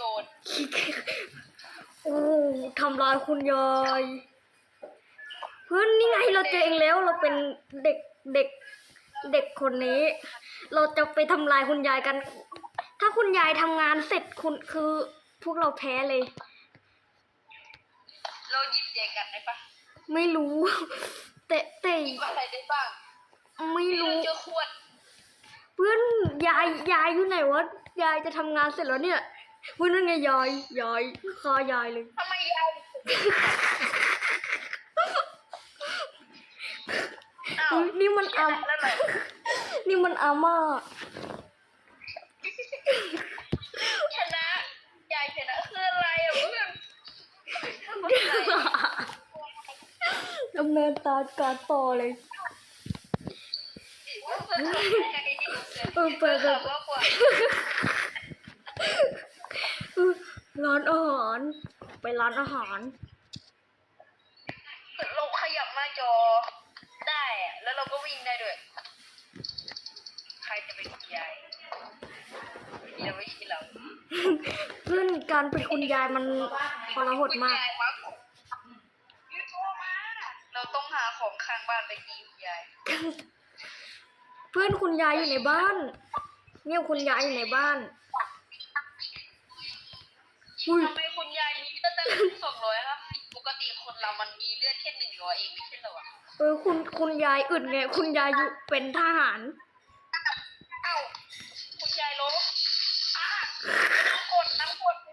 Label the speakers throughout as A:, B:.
A: น
B: โอ้ทำร้ายคุณยายเพื่อนนี่ไงเราเจอเองแล้วเราเป็นเด็กเด็กเด็กคนนี้ เราจะไปทำลายคุณยายกัน ถ้าคุณยายทำงานเสร็จคุณคือพวกเราแพ้เลย
A: เราหยิบแจกันได้ปะ
B: ไม่รู้ แต่
A: หยิบอะไรได้บ้าง
B: ไม่รู้
A: เจอขวด
B: เพื่อนยายอยู่ไหนวะยายจะทำงานเสร็จแล้วเนี่ยเพื่อนนั่นไงยายฆ่ายายเลย
A: ทำไมยาย
B: อุ๊ยนี่มันอา
A: แล้วไหน
B: นี่มันอาม่า
A: ชนะยายชนะคืออะไรอ่ะเพื่อน
B: ดำเนินการต่อเลยเปิดร้านอาหารไปร้านอาหาร
A: เราขยับหน้าจอได้อะแล้วเราก็วิ่งได้ด้วย ใครจะเป็นคุณยายยังไม่ใช่เรา
B: เพื่อนการเป็นคุณยายมันทรหดมาก
A: เราต้องหาของข้างบ้านไปกินคุณยาย
B: เพื่อนคุณยายอยู่ในบ้าน เนี่ยคุณยายอยู่ในบ้านอุ้ย
A: ทำไมคุณยายมีเลือดตั้ง200ครับปกติคนเรามันมีเลือดแค่100เองไม่ใช่เหรอวะ
B: คุณยายอึดไงคุณยายอยู่เป็นทหาร
A: เอ้าคุณยายลบน้ำกด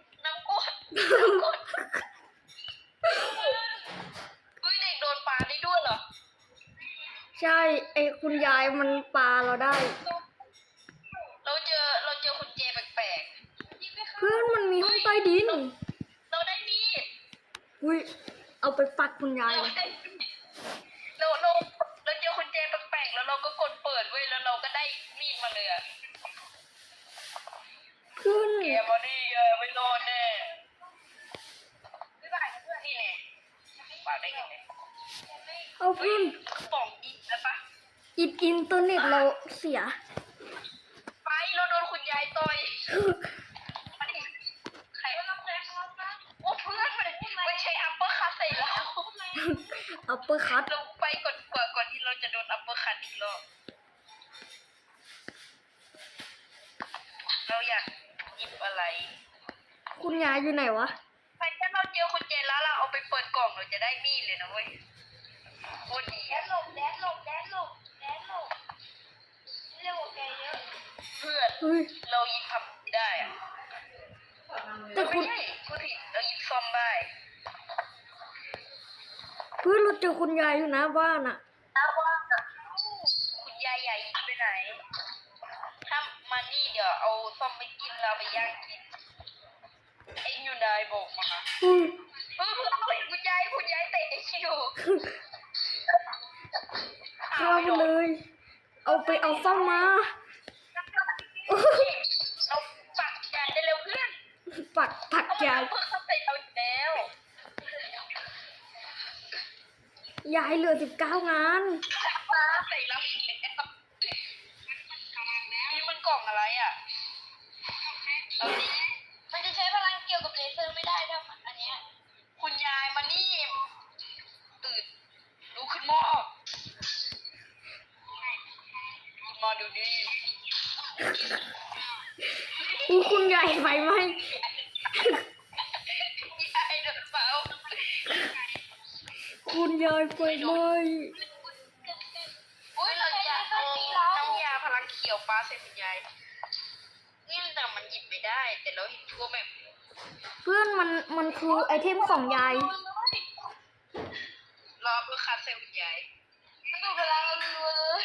A: เฮ้ยเด็กโดนปลาได้ด้วยเหรอ
B: ใช่ไอคุณยายมันปาเราได้
A: เราเจอคุณเจแปลก
B: เพื่อนมันมีห้องใต้ดิน
A: ๆเราได้มีด
B: อุ้ยเอาไปปักคุณยาย
A: เรา
B: เลย
A: ได้มีดเราเจอคุณเจแปลกๆแล้วเราก็กดเปิดเว้ยแล้วเราก็ได้มีดมาเลยอะ
B: เพื่อน
A: แกมาดิไม่รอดแน่นี่ไงปาได้ไงเนี่ย
B: เอาเพื่อน
A: ป่องอีกแล้วปะ
B: อินเทอร์เน็ตเราเสีย
A: ไปเราโดนคุณยายต่อยมาดิใครโอ้เพื่อนมันใช้อัปเปอร์คัตใส่เรา
B: อัปเปอร์คัต
A: เราไปก่อนที่เราจะโดนอัปเปอร์คัตอีกรอบเราอยากหยิบอะไร
B: คุณยายอยู่ไหนวะ
A: ถ้าเราเจอคุณเจนแล้วเราเอาไปเปิดกล่องเราจะได้มีดเลยนะเว้ยโคตรดีอะแดนหลบเรียกว่าแกเยอะเพื่อน
B: เฮ้ย
A: เรายิงพับได้อะ
B: แต่คุณ
A: ไม่ใช่พูดผิดเรายิงซอมได้
B: เพื่อนเราเจอคุณยายอยู่หน้าบ้านอะ
A: คุณยายใหญ่ไปไหนถ้ามานี่เดี๋ยวเอาซอมไปกินเราไปย่างกินเอ็งอยู่ไหนบอกมา
B: เฮ้ย
A: คุณยายเตะคิว
B: ข้ามเลย เอาไปเอาซ่อมมา
A: เราปักยายได้เร็วเพื่อน
B: ปักยาย
A: เพื่อนเขาเตะเราอีกแล้ว
B: ยายเหลือ19 งาน
A: เตะเราอีกแล้วนี่มันกล่องอะไรอ่ะเราดีมันจะใช้พลังเกี่ยวกับเลเซอร์ไม่ได้ถ้าอันเนี้ยคุณยายมานี่ตื่นลุกขึ้นมามาดูดิ
B: คุณยายไฟไหม
A: ยายโดนเฝ้า
B: คุณยายไฟไหม
A: อุ้ยเราจะเอาน้ำยาพลังเขียวปลาใส่คุณยายนี่แต่มันหยิบไม่ได้ แต่เราเห็นทั่วแบบ
B: เพื่อนมันคือไอเทมของยาย
A: รอเพื่อคัดใส่คุณยายมันดูพลังรัวเลย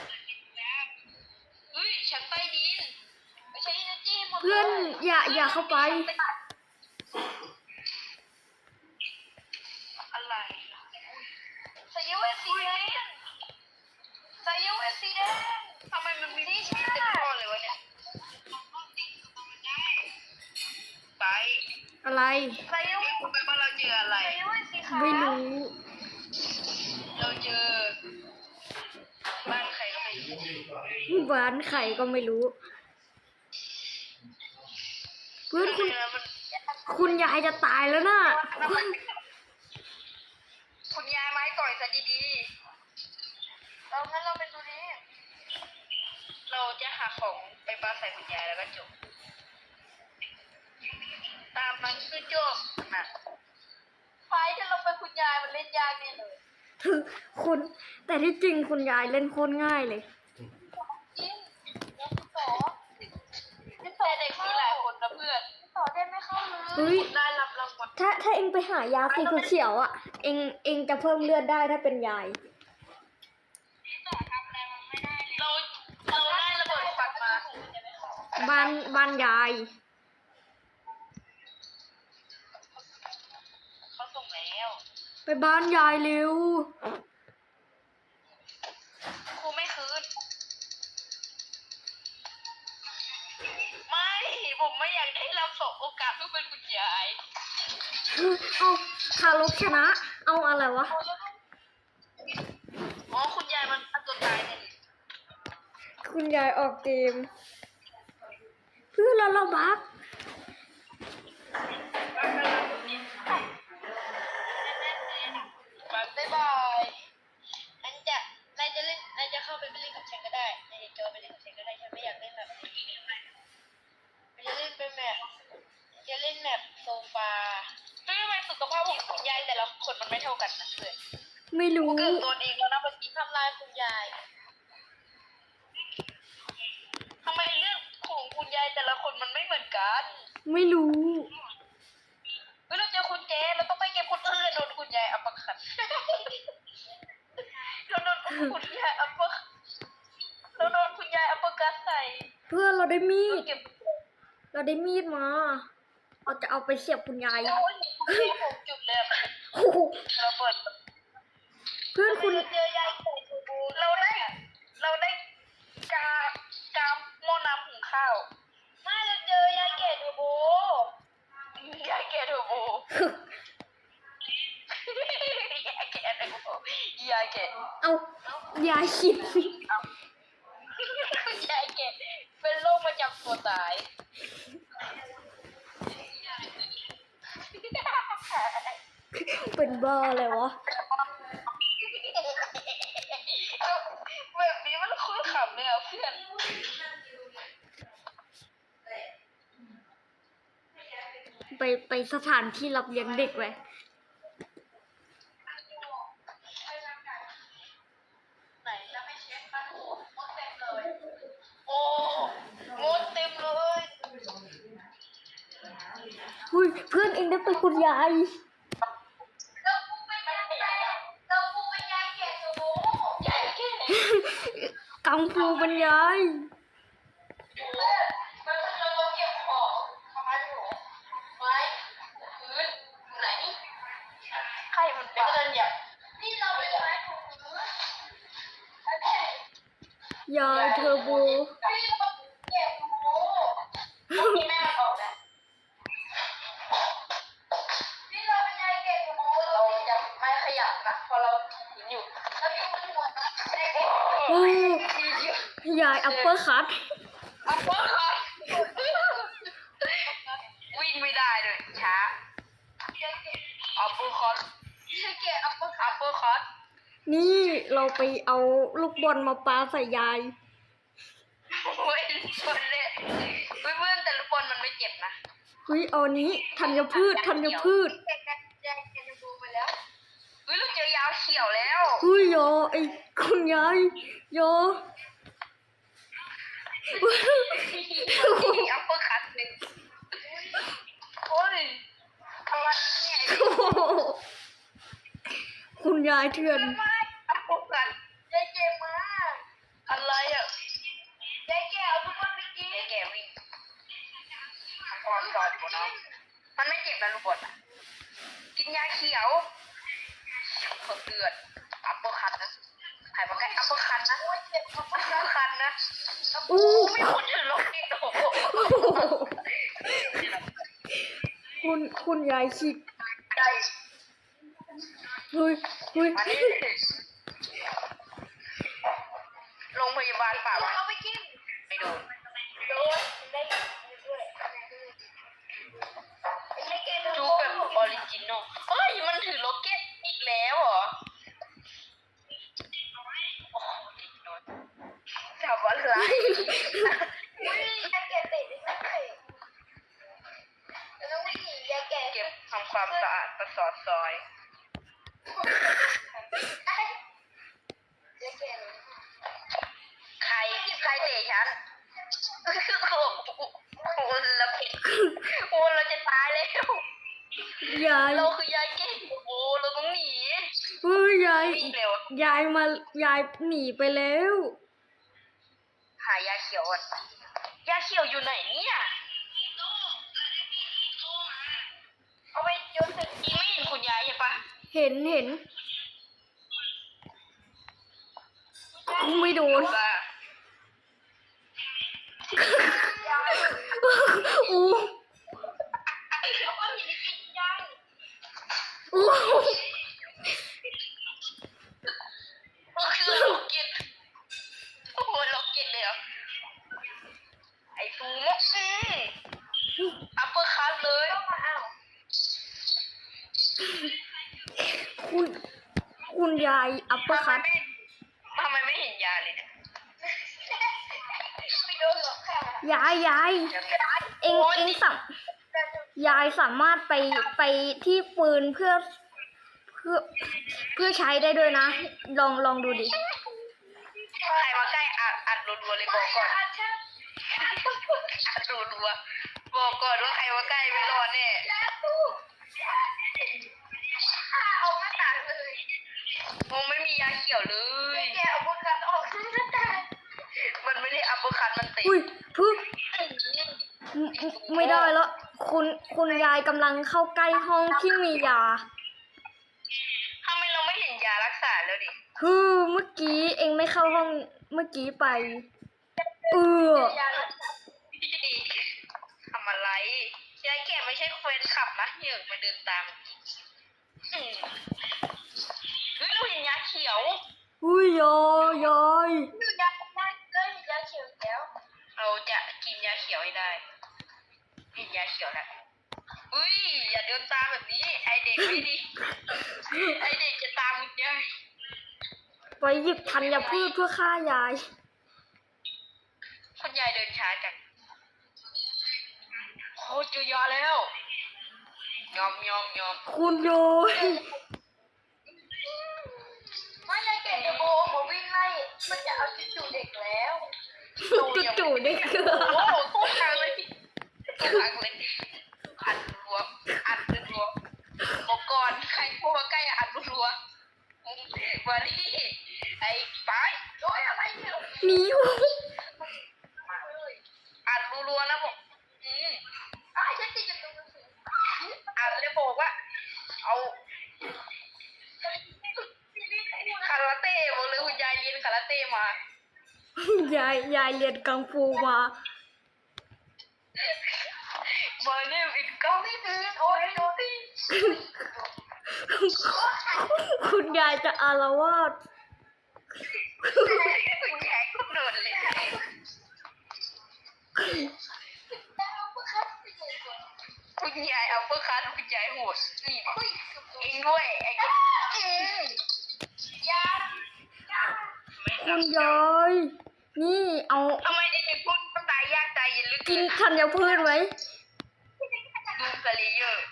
A: เฮ้ยชั้นใต้ดินไม่ใช่นะจี้หมดเลย
B: เพื่อนอย่าเข้าไป
A: อะไรใส่ยูเอสสีแดงใส่ยูเอสสีแดงทำไมมันมีที่เต็มข้อเลยวะเนี่ยไป
B: อะไร
A: ใส่ยูเอสไปว่าเราเจออะไรใส่ยูเอสสีขาว
B: ไม่รู้
A: เราเจอบ้านใครก็ไม่รู้
B: บ้านไข่ก็ไม่รู้
A: เ
B: เพื่อนคุณ
A: มัน
B: คุณยายจะตายแล้วนะ
A: คุณยายไม้ต่อยซะดีๆเรางั้นเราเป็นตัวนี้ เราจะหาของไปปาใส่คุณยายแล้วก็จบ ตามมันคือจบนะไฟที่เราเป็นคุณยายมันเล่นยากเนี่ยเลย
B: คุณ แต่ที่จริงคุณยายเล่นโคตรง่ายเลย
A: จริงแล้วคุณต่อแต่เด็กมีหลายคนนะเพื่อนต่อได้ไม่เข้าเลย
B: เฮ้ย
A: ได้รับรางวัล
B: ถ้าเองไปหายาสีเขียวๆอ่ะ เองจะเพิ่มเลือดได้ถ้าเป็นยาย
A: เราได้ระเบิดควันมา
B: บ้านยาย
A: เขาส่งแล้ว
B: ไปบ้านยายเร็ว
A: ครูไม่คืน ไม่ ผมไม่อยากได้รับสองโอกาสเพื่อเป็นคุณยาย
B: เอาคารพชนะ เอาอะไรวะ
A: อ๋อคุณยายมันฆ่าตัวตายเนี่ย
B: คุณยายออกเกม เพื่อนเราบัก
A: บ๊ายบายอันจะนายจะเล่นนายจะเข้าไปเล่นกับฉันก็ได้นายจะจอยไปเล่นกับฉันก็ได้ฉันไม่อยากเล่นแบบนี้มันจะเล่นเป็นแบบจะเล่นแบบโซฟาทำไมสุขภาพของคุณยายแต่ละคนมันไม่เท่ากันนะเพื่อน
B: ไม่รู้
A: เกิดตัวเองแล้วนะเมื่อกี้ทำลายคุณยายทำไมเรื่องของคุณยายแต่ละคนมันไม่เหมือนกัน
B: ไม่รู้
A: เฮ้ยเราเจอคุณเจเราต้องไปเก็บคนอื่นโดนคุณยายอัปคัดเราโดนคุณยายอัปคัดเราโดนคุณยายอัปคัดใส่
B: เพื่อนเราได้มีด
A: เก็บ
B: เราได้มีดมา เราจะเอาไปเสียบคุณยาย
A: โอ้ยคุณยายผมจุดเลยอะ
B: โอ้โห
A: เราเปิด
B: เพื่อนคุณ
A: เจอยายไก่ทูบูเราได้กากาหม้อน้ำหุงข้าวไม่เราเจอยายแก่ทูบูยายแก่ทูบู ยายแก่ทูบูยายแก่
B: เอายายขิด
A: ยายแก่เป็นโรคประจำตัวตาย
B: เป็นบ้าเลยวะ
A: แบบนี้มันคุ้นขำเลยอ่ะเพื่อน
B: ไปสถานที่รับเลี้ยงเด็กไว้
A: ไหนจะไม่เช็คกันโอ้มดเต็มเลย โอ้มดเต็มเลย
B: หุ้ย เพื่อนเองได้เป็นคุณยาย
A: เราปูเป็นยายแก่เราปูเป็นยายแก่โอ้โหยายแก่
B: กังฟูเป็นยาย
A: มันเราเก็บของทำไมหนูไม้พื้นไหนใครมันเป็นเดินเหยียบนี่เราเป็นไม้ถูพื้น
B: ยายเทอร์โบ
A: พี่เราเก็บโอ้พี่แม่มันออกแล้วพี่เราเป็นยายเก็บโอ้เราจะไม่ขยับนะเพราะเราถืออยู่แล้วพี่มันหัวนะ
B: โอ้ยายอัปเปอร์คัต
A: อัปเปอร์คัทวิ่งไม่ได้เลยช้าอัปเปอร์คัทเกอัปเปอร์คัท
B: นี่เราไปเอาลูกบอลมาปาใส่ยาย
A: โอ้ยชนเลยเพื่อนแต่ลูกบอลมันไม่เจ็บนะ
B: เฮ้ยเอานี้ธัญพืช
A: ยายจะดูไปแล้วเฮ้ยเราเจอยาวเขียวแล้ว
B: เฮ้ยโยไอ้คุณยายโย
A: อัปเปอร์คัทหนึ่งโอ้ยอะไรเนี่ย
B: โอ้โหคุณยายเถื่อน
A: ไม่อัปเปอร์คัทยายเจ็บมากอะไรอ่ะยายแก่เอาทุกคนไปกินยายแก่วิ่งก่อนอยู่เนาะมันไม่เจ็บนะลูกบอลอะกินยาเขียวเพิ่มเลือดอัปเปอร์คัทนะใครมาใกล้อัปเปอร์คัทนะโอ้ยเจ็บอัปเปอร์คัทนะ
B: อู้
A: ไม่คนถือล็อกเก็ตโอ้โห
B: คุณยายคิด
A: ได้
B: เฮ้ย
A: มานี่โรงพยาบาลป่าวะเอาไปกินไม่โดนได้ด้วยอริจินอลเฮ้ยมันถือโรเก็ตอีกแล้วเหรอโอ้โหติดโดนทำอะไรอุ้ยยาแก่เตะไม่ได้แล้ววิ่งหนียาแก่เก็บทำความสะอาดประสอดซอยใครเตะฉันโอ้โหเราผิดโอ้เราจะตายแล้ว
B: ยาย
A: เราคือยายเก่งโอ้เราต้องหนี
B: เฮ้ยยาย
A: วิ่งเร็วย
B: ายหนีไปแล้ว
A: หายาเขียวอ่ะยาเขียวอยู่ไหนเนี่ยเอาไปโยนถึงอีไม่เห็นคุณยายใช่ปะ
B: เห็นไม่โดน
A: ว่า
B: อู้
A: เอาก้อนหินกินยาย
B: อู้
A: ก็คือโรเก็ตโอ้โหโรเก็ตเลยเหรอไอ้ซูโม่อัปเปอร์คัทเลยอ้าว
B: คุณยายอัปเปอร์คัต
A: ทำไมไม่เห็นยาเลยเนี่ยไม่โดนหรอกค่ะ
B: ยายเองยายสามารถไปที่ปืนเพื่อใช้ได้ด้วยนะ ลองดูดิ
A: ใครมาใกล้อัดรัวๆเลยบอกก่อนอัดรัวๆบอกก่อนว่าใครมาใกล้ไม่รอดแน่เอาหน้าต่างเลยมองไม่มียาเขียวเลยแกเอาบุคัดออกหน้าต่างมันไม่ได้อัปเปอร์คัทมันตี
B: อุ้ยไม่ได้แล้วคุณยายกำลังเข้าใกล้ห้องที่มียา
A: ทำไมเราไม่เห็นยารักษาแล้วดิ
B: เมื่อกี้เองไม่เข้าห้องเมื่อกี้ไป
A: ทำอะไรยายแก่ไม่ใช่เฟรนขับนะเหยื่อมาเดินตามเฮ้ยเราเห็นยาเขียว
B: อุ้ยยาย
A: ยาเขียวแล้วเราจะกินยาเขียวให้ได้กินยาเขียวแล้วอุ้ยอย่าเดินตามแบบนี้ไอเด็กไม่ดีไอเด็กจะตามคุณยาย
B: ไปหยิบธัญพืชเพื่อฆ่ายาย
A: คุณยายเดินช้าจังโคตรเจอยาแล้วยอม
B: คุณยาย
A: ไม่ยายแก่จะโบมาวิ่งไล่มันจะเอาจู่เด็กแล้ว
B: จู่ๆได้เกลือ
A: โอ้โหตู้ทางเลยตู้ทางเลยอัดรัวบอกก่อนใครพูดมาใกล้อัดรัวมาดิไอ้ป้ายโอ้ยอะไรเนี่ย
B: หนีอยู่
A: อัดรัวนะผมฉันติดอยู่ตรงนี้อัดเลยบอกว่าเอาคาราเต้บอกเลยคุณยายเรียนคาราเต้มาย
B: ายเรียนกังฟูมา
A: My name is Gummy Bean โอ้ยดูดิ
B: คุณยายจะอาละวาด
A: คุณยายก็โดนเลยคุณยายเอาเพื่อคันคุณยายโหดนี่เองด้วยไอ้ก็ยา
B: คุณยาย นี่เอา
A: ทำไมเด็กๆพูดตายยากใจเย็นลึก
B: กินธัญพืชไหม
A: ดูกะลีเยอะ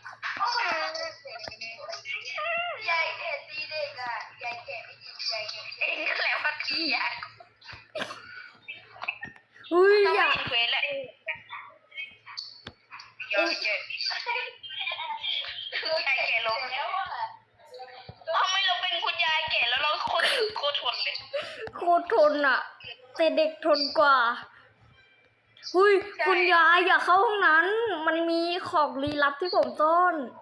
A: ยายแก่ตีเด็กอ่ะยายแก่ไม่ดียายแก่เองก็แล้วพักทียาย
B: อุ้ย
A: ต้อง
B: อยาก
A: เห็นเควสแหละยายแก่ลงทำไมเราเป็นคุณยายแก่แล้วเราโคตรทนเลย
B: โคตรทนอ่ะ แต่เด็กทนกว่าอุ้ยคุณยายอย่าเข้าห้องนั้น มันมีของลี้ลับที่ผมซ่อน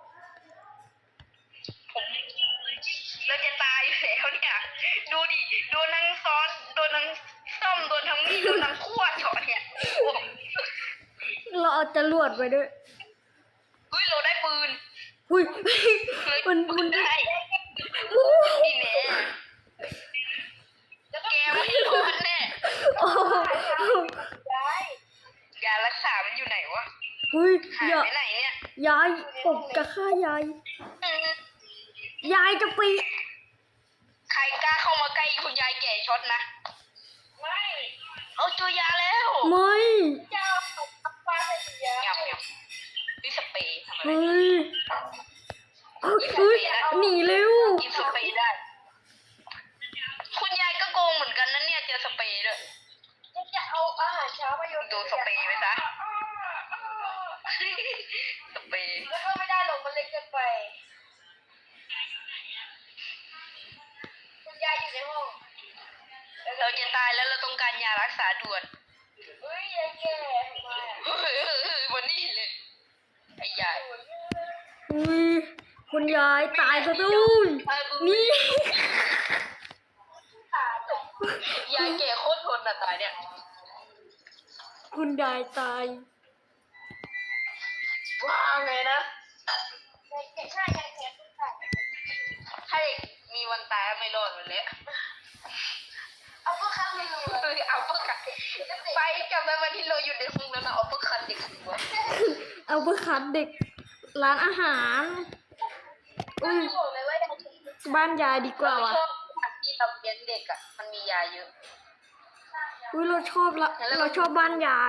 A: เราจะตายอยู่แล้วเนี่ยดูดิโดนทั้งซ้อนโดนทั้งซ่อมโดนทั้งมีดโดนทั้งขั้วเฉาะเนี่ย
B: เราเอาจรวดไปด้วย
A: เฮ้ยเราได้ปืน
B: อุ้ย
A: มันได้
B: โอ้
A: นี่แน่แกไม่รอดแน่ ยารักษามันอยู่ไหนวะ
B: อุ้ย
A: หาย
B: อย่า
A: ไปไหนเนี่ย
B: ยายผมจะฆ่ายาย ยายจะไป
A: ใครกล้าเข้ามาใกล้คุณยายแก่ช็อตนะไม่เอาตัวยาแล้ว
B: ไม่
A: เจ้าปลาใส่ยาเงียบดิสเปย์ทำอะไร
B: เฮ้ยเฮ้ยหนีเร็ว
A: กินสเปย์ได้ คุณยายก็โกงเหมือนกันนะเนี่ยเจอสเปย์ด้วยจะเอาอาหารเช้ามาโยนดูสเปย์ไปซะสเปย์แล้วก็ไม่ได้หรอกมันเล็กเกินไปคุณยายอยู่ในห้องเราจะตายแล้วเราต้องการยารักษาด่วนเฮ้ยยายแก่ทำไมวันนี้เลยไอ้ยาย
B: อุ้ยคุณยายตายซะด้วย นี่
A: ยายแก่โคตรทนอ่ะตายเนี่ย
B: คุณยายตาย
A: ว่าไงนะยายแก่ใช่ยายแก่ต้องตายถ้าเด็กมีวันตายไม่รอดมันเลยเอาเพื่อคันไม่รู้เอาเพื่อคันไปกลับไปวันที่เราอยู่ในห้องนั้นเอาเพื่อคันเด็กดีกว่า
B: เอาไปขัดเด็กร้านอาหารอุ้ยบ้านยายดีกว่า
A: เรา
B: ว่ะ
A: ชอบที่เราเลี้ยงเด็กอ่ะมันมียาเยอะ
B: อุ้ยเราชอบละเราชอบบ้านยาย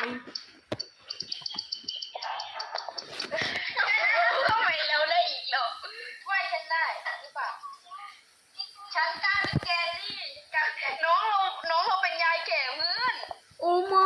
A: ทำไมเราได้อีกหรอว่าฉันได้หรือเปล่าฉันกล้าเป็นแกนี่น้องเราเป็นยายแก่เพื่อน
B: โอ้ไม่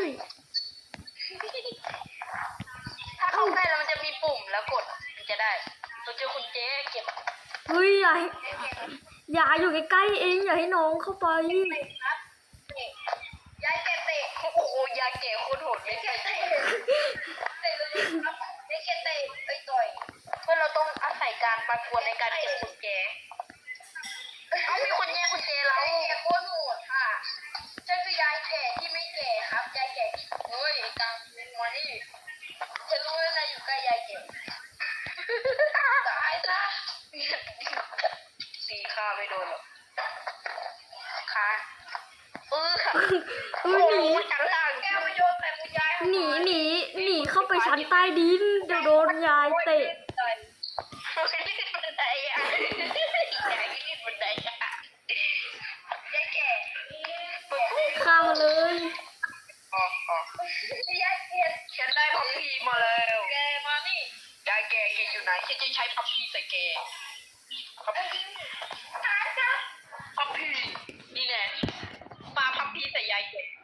A: ถ้าเข้าใกล้แล้วมันจะมีปุ่มแล้วกดมันจะได้เราเจอคุณเจ๊เก็บ
B: เฮ้ยอย่าอยู่ใกล้ๆเองอย่าให้น้องเข้าไป
A: ครับยายแก่เตะโอ้โหยายแก่โคตรโหดไม่ใช่เตะเลยครับยายแก่เตะไปต่อยเพื่อเราต้องอาศัยการประกวดในการเก็บกุญแจเอามีคนแย่งกุญแจเรายายแก่โคตรโหดค่ะฉันคือยายแก่ที่ไม่แก่ครับยายแก่ที่เฮ้ยกลางเป็นวันนี้ฉันรู้แล้วนะอยู่ใกล้ยายแก่ตายซะตีข้าไม่โดนหรอกค่ะค่ะ
B: เฮ้ยหนี
A: ชั้นล่างแก้วมาโยนใส่คุณยาย
B: หนีเข้าไปชั้นใต้ดินเดี๋ยวโดนยายเตะ
A: รีดบันไดอ่ะยายรีดบันไดอ่ะยายแก่
B: ข้ามมาเลย
A: ยายแก่ฉันได้พับพีมาแล้วแกมานี่ยายแก่แกอยู่ไหนฉันจะใช้พับพีใส่แกพับพีนี่แน่ปาพับพีใส่ยายแก่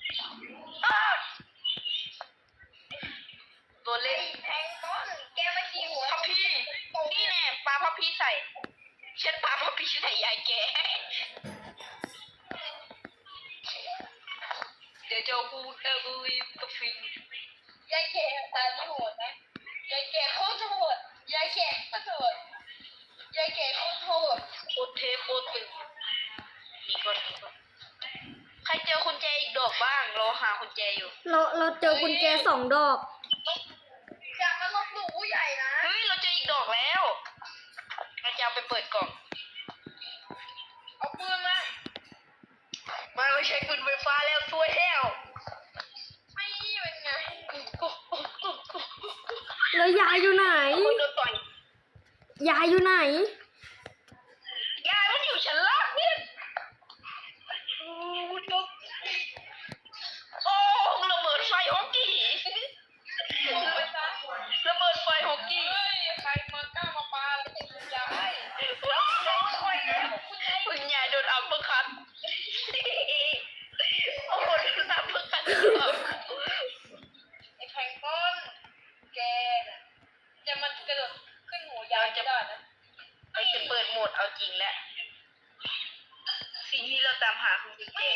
A: ตัวเล็กแทงต้นแกมาขี่หัวพับพีนี่แน่ปาพับพีใส่ฉันปาพับพีใส่ยายแก่เดี๋ยวจะพูดบุยกับฟิงยายแก่ตายไม่โหดนะยายแก่โคตรโหดยายแก่โคตรโหดยายแก่โคตรโหดโคตรเทโคตรตึงมีก่อนใครเจอกุญแจอีกดอกบ้างเราหากุญแจอยู่
B: เราเจอกุญแจ2 ดอก
A: อยากมาลบหลู่ผู้ใหญ่นะเฮ้ยเราเจออีกดอกแล้วเราจะเอาไปเปิดกล่องเอาปืนมาไม่ใช่ปืนไฟฟ้าแล้วซวยแล้วไม่เป็นไง
B: แล้วยายอยู่ไหน
A: คนโดนต่อย
B: ยายอยู่ไหน
A: ยายมันอยู่ชั้นล่างเนี่ยโอ้ระเบิดไฟฮอกกี้ระเบิดไฟฮอกกี้ใครมากล้ามาปาแล้วจะคุณยายคุณยายโดนอัปเปอร์คัทโอ้โหโดนอัปเปอร์คัทไอ้แพงก้อนแกจะมันกระโดดขึ้นหัวยายจะได้นะเราจะเปิดโหมดเอาจริงแล้วสิ่งที่เราตามหาคือกุญแจ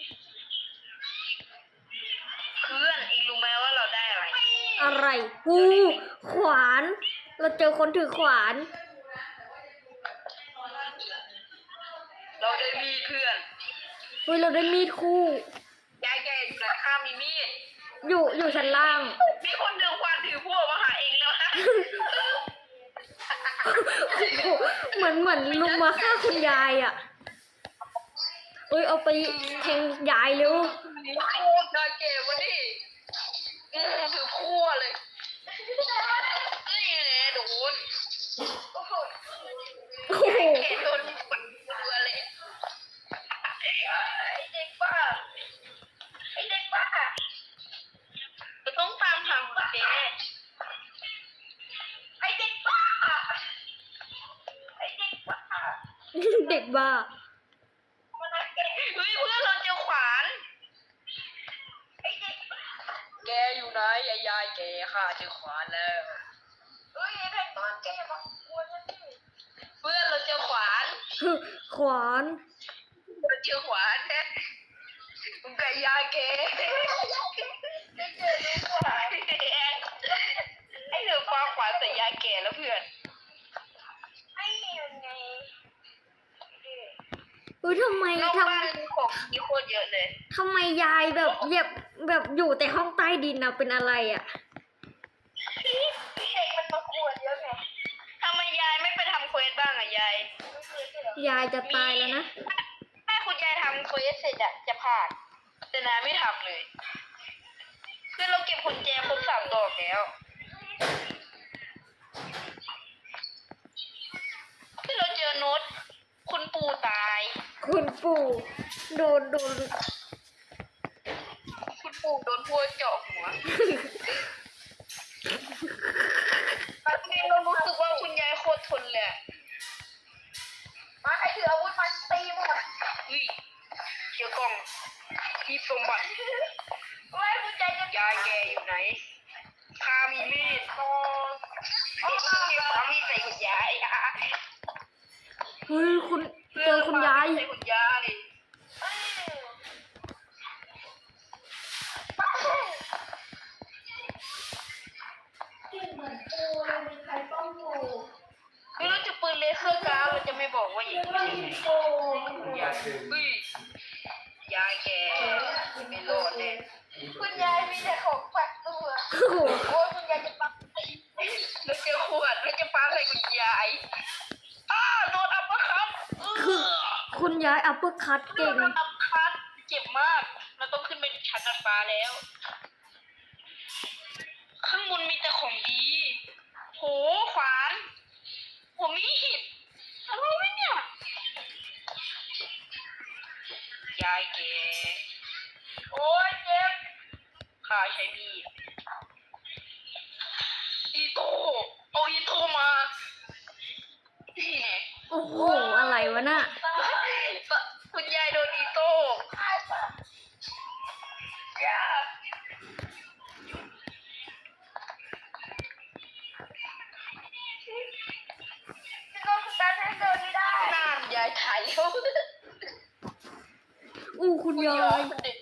A: เพื่อนอีกรู้ไหมว่าเราได้อะไร
B: อะไรขวาน เราเจอคนถือขวาน
A: เราได้มีดเพื่อน
B: เฮ้ยเราได้มีดคู่
A: ยายแกอยู่ไหนข้ามีมีด
B: อยู่ชั้นล่าง
A: มีคนเดินควันถือพวกมาหาเองแล้วนะ
B: เหมือนลุงมาฆ่าคุณยายอ่ะเอ้ยเอาไปแทงยายเร็ว
A: โคตรน่าเกลียดวะนี่ถือพั่วเลยนี่
B: เด็กบ้า
A: เฮ้ยเพื่อนเราเจอขวานแกอยู่ไหนไอ้ยายแกค่ะเจอขวานแล้วเฮ้ยไอ้แพงตอนแกมากวนฉันดิเพื่อนเราเจอขวาน
B: ขวาน
A: เราเจอขวานแท้มึงกับยายแกได้เจอลูกขวานไอ้เธอฟังขวานใส่ยายแกแล้วเพื่อนไอ้ยังไง
B: ทำไม
A: นอก
B: ท
A: บ้านของมีโคตรเยอะเลย
B: ำทำไมยายแบบแบบอยู่แต่ห้องใต้ดินนะเป็นอะไรอ่ะ
A: เด็กมันมากวนเยอะไงทำไมยายไม่ไปทำเควสบ้างอะยาย
B: ยายจะตายแล้วนะ
A: ถ้าคุณยายทำเควสเสร็จอะจะผ่านแต่นาไม่ทำเลยคือเราเก็บกุญแจครบ3 ดอกแล้วคือเราเจอโน้ตคุณปู่ตาย
B: คุณปู่โดน
A: คุณปู่โดนพวกเจาะหัวบางทีเรารู้สึกว่าคุณยายโคตรทนเลยอะมาใครถืออาวุธมาตีหมดอุ้ยเจอกล่องทีสมบัติไม่คุณยายจะยายแกอยู่ไหนพามีมีดโตพามีดใส่คุณยาย
B: เฮ้ยคุณเจอคุณยาย
A: ใส่คุณยายคือเราจะปืนเลเซอร์การ์ดเราจะไม่บอกว่าอย่างนี้อุ้ยยายแกไม่รอดแน่คุณยายมีแต่ของปัดตัว
B: โอ้โห
A: โอ้ยคุณยายจะปัดเราเจอขวดเราจะปาใส่คุณยายโดนอัปเปอร์คัต
B: คือคุณยายอัปเปอร์คัต
A: โด
B: เก่ง
A: นอัปเปอร์คัตเจ็บมากเราต้องขึ้นไปชั้นดาดฟ้าแล้ว ข้างบนมีแต่ของดีโหขวานผมมีดอะไรวะเนี่ยยายแกโอ้ยเจ็บข้าใช้มีดอีโต้เอาอีโต้มานี่ไง
B: โอ้โหอะไรวะน่ะ
A: คุณยายโดนอีโต้ยาพี่ก็สตาร์ทให้เดินไม่ได้นานยายถ่ายแล้ว
B: อู้คุณยาย
A: เด็ก